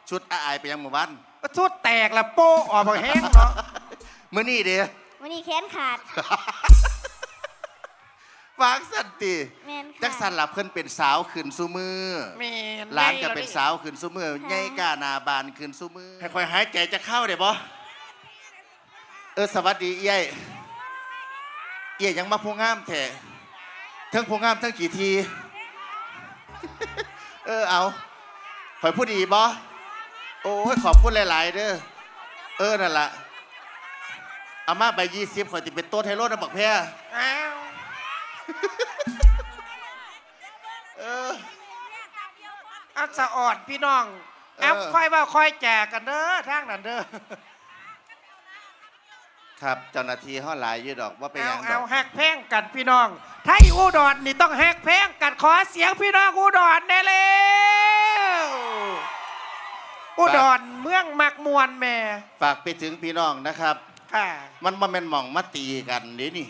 ชุดอายไปยังหมู่บ้านชุดแตกละโป้ออกมาแห้งเนาะเมื่อนี่เด้วันนี้แขนขาดฟางสันติจักสันหลับเพิ่นเป็นสาวขึ้นซุมือหลานก็เป็นสาวขึ้นซุมือใหญ่กานาบานขึ้นซุมือค่อยๆหายใจจะเข้าเด้บ่สวัสดีเอี้ยยังมาพูงามแท้ทั้งพูงามทั้งกี่ทีเอาข่อยพูดดีบ่โอ้ยขอบคุณหลายๆเด้อนั่นล่ะอามาใบ20ข่อยติเป็นโต๊ะไทโร่นะบักแพ้อักษะอ่อนพี่น้องค่อยว่าค่อยแจกกันเด้อทางนั้นเด้อครับเจ้าหน้าที่เขาหลายอยู่ดอกว่าไปยังเอาแฮกแพงกันพี่น้องไทยอุดรนี่ต้องแฮกแพงกันขอเสียงพี่น้องอุดรได้แล้วอุดรเมืองมักมวนแม่ฝากไปถึงพี่น้องนะครับมันมาเป็นหม่องมาตีกันนี่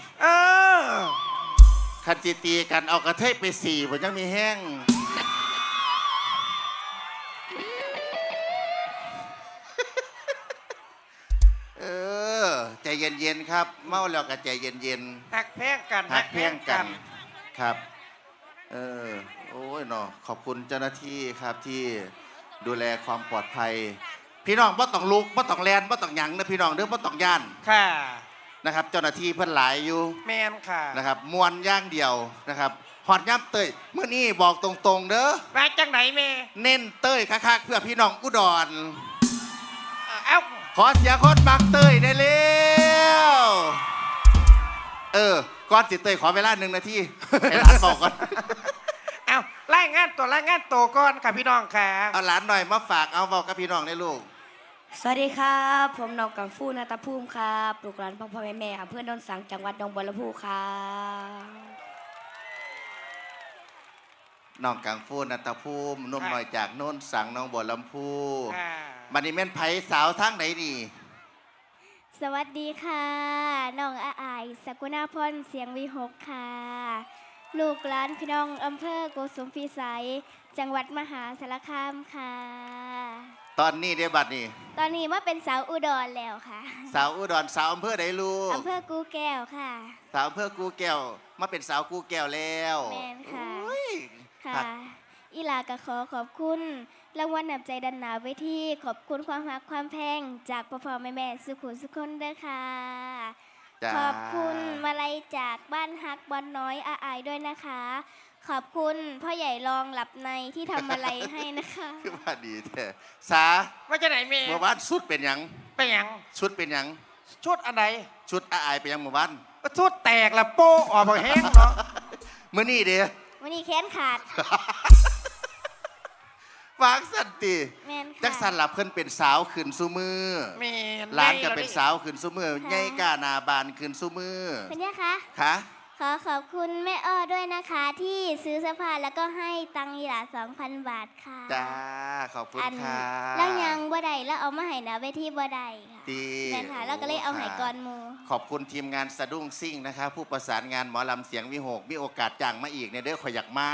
คันจีตีกันเอากระเทยไป4ผมยังมีแห้งใจเย็นๆครับเมาแล้วก็ใจเย็นๆหักแพงกันหักแพงกันครับโอ้ยเนาะขอบคุณเจ้าหน้าที่ครับที่ดูแลความปลอดภัยพี่น้องบ่ต้องลุกบ่ต้องแลนบ่ต้องหยังนะพี่น้องเด้อบ่ต้องย่านค่ะนะครับเจ้าหน้าที่เพิ่นหลายอยู่แมนค่ะนะครับมวนย่างเดียวนะครับหอดย่ำเต้ยเมื่อนี้บอกตรงๆเด้อมาจังไหนแม่เน้นเต้ยคักๆเพื่อพี่น้องอุดรเอาขอเสียคนบักเต้ยได้เร็วก่อนสิเต้ยขอเวลา1 นาทีให้หลานบอกก่อนเอารายงานตัวก่อนค่ะพี่น้องค่ะเอาหลานหน่อยมาฝากเอาบอกกับพี่น้องได้ลูกสวัสดีครับผมน้องกังฟูนาตาภูมิครับลูกหลานพ่อแม่เพื่อนโดนสังจังหวัดหนองบัวลำพูครับน้องกังฟูนัตภูมินุ่มหน่อยจากโน่นสังน้องบัวลำพูบันนี้แม่นไผ่สาวทั้งไหนนี่สวัสดีค่ะน้องอายสกุณาพรเสียงวิหกค่ะลูกหลานพี่น้องอำเภอโกสุมพิสัยจังหวัดมหาสารคามค่ะตอนนี้ได้บัดนี้ตอนนี้มาเป็นสาวอุดรแล้วค่ะสาวอุดรสาวอำเภอไหนลูกอำเภอกูแก้วค่ะสาวอำเภอกูแก้วมาเป็นสาวกูแก้วแล้วแม่นค่ะค่ะอีหลาก็ขอบคุณรางวัลนำใจดันหนาไว้ที่ขอบคุณความรักความแพงจากพ่อแม่สุขุสุขคนเด้อค่ะขอบคุณมาลัยจากบ้านฮักบอลน้อยอายด้วยนะคะขอบคุณพ่อใหญ่รองหลับในที่ทำมาลัยให้นะคะคือว่าดีแท้สาว่าจะไหนเมื่อวานชุดเป็นยังชุดเป็นยังชุดอะไรชุดอายไปยังเมื่อวานชุดแตกละโป้ออกมาแห้งเนาะเมื่อนี่เด้วันนี้แขนขาดฟางสันติจักสันหลับเพิ่นเป็นสาวขึ้นซุมือหลานก็เป็นสาวขึ้นซุมือใหญ่กานาบานขึ้นซุมือเป็นยังคะขอบคุณแม่อ้อด้วยนะคะที่ซื้อเสื้อผ้าแล้วก็ให้ตังค์อีหลา 2,000 บาทค่ะจ้าขอบคุณค่ะแล้วยังบ่ได้แล้วเอามาให้นะเวทีบ่ได้ค่ะแม่ค่ะแล้วก็เลยเอาให้ก่อนหมู่ขอบคุณทีมงานสะดุ้งซิ่งนะคะผู้ประสานงานหมอลำเสียงวิหกมีโอกาสจ้างมาอีกเนี่ยเด้อขอยอยากมา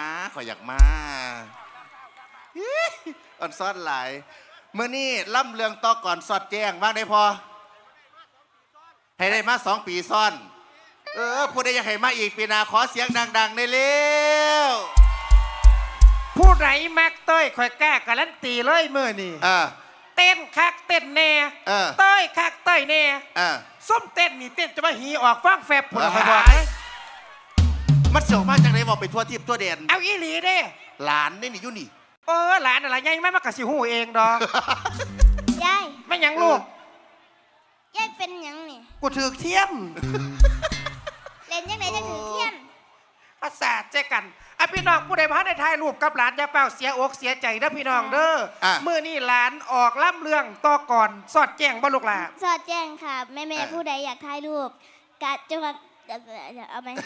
อ่อนซ้อนหลายเมื่อนี้ล่ำเรืองต่อก่อนสอดแจ้งว่างได้พอให้ได้มา2 ปีซ้อนผู้ใดอยากให้มาอีกปีหน้าขอเสียงดังๆได้เร็วผู้ไหนมักเต้ยคอยแก้การันตีเลยเมื่อนี่เต้นคักเต้นแน่เต้ยคักเต้ยแน่ส้มเต้นนี่เต้นจะมาหีออกฟังแฟบผุดออกมาบอกมันเสียวมากจากไหนบอกไปทั่วทิพย์ทั่วแดนเอาอีหลีเด้หลานนี่อยู่นี่หลานอะไรยัยไม่มากระสิหูเองดอกยายไม่ยังลูกยายเป็นยังนี่กูถือเทียมเล่นยังไงจะถือเทียมภาษาเจกันพี่น้องผู้ใดพาได้ถ่ายรูปกับหลานจะเฝ้าเสียอกเสียใจเด้อพี่น้องเด้อมื้อนี้หลานออกล่ำเรื่องต่อก่อนสอดแจ้งบ่ลูกหลานสอดแจ้งค่ะแม่ผู้ใดอยากถ่ายรูปกะจังหวัดเอาไหม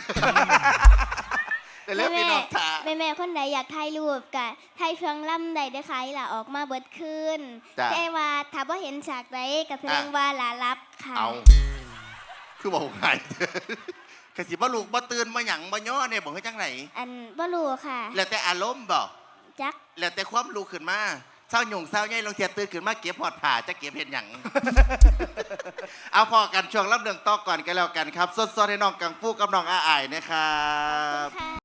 แม่คนใดอยากถ่ายรูปกะถ่ายเพียงล่ำใดได้ค่ะหล่าออกมาเบิดคืนแต่ว่าถ้าบ่เห็นฉากใดกับแสดงว่าหลารับค่ะคือบอกไงกสิบ่ลูกบ่ตื่นมาหยังบ่ย่อเนี่ยบอกให้จังไหนบ่ลูกค่ะแล้วแต่อารมณ์บ่จักแล้วแต่ความลูกขึ้นมาแเศร้าหยุ่งเศร้าใหญ่ลงเทียนตื่นขึ้นมาเก็บหอดผ่าจะเก็บเห็นหยัง เอาพอกันช่วงรับเรื่องต่อก่อนกันแล้วกันครับสดๆให้น้องกังฟูกับน้องอาอายนะครับ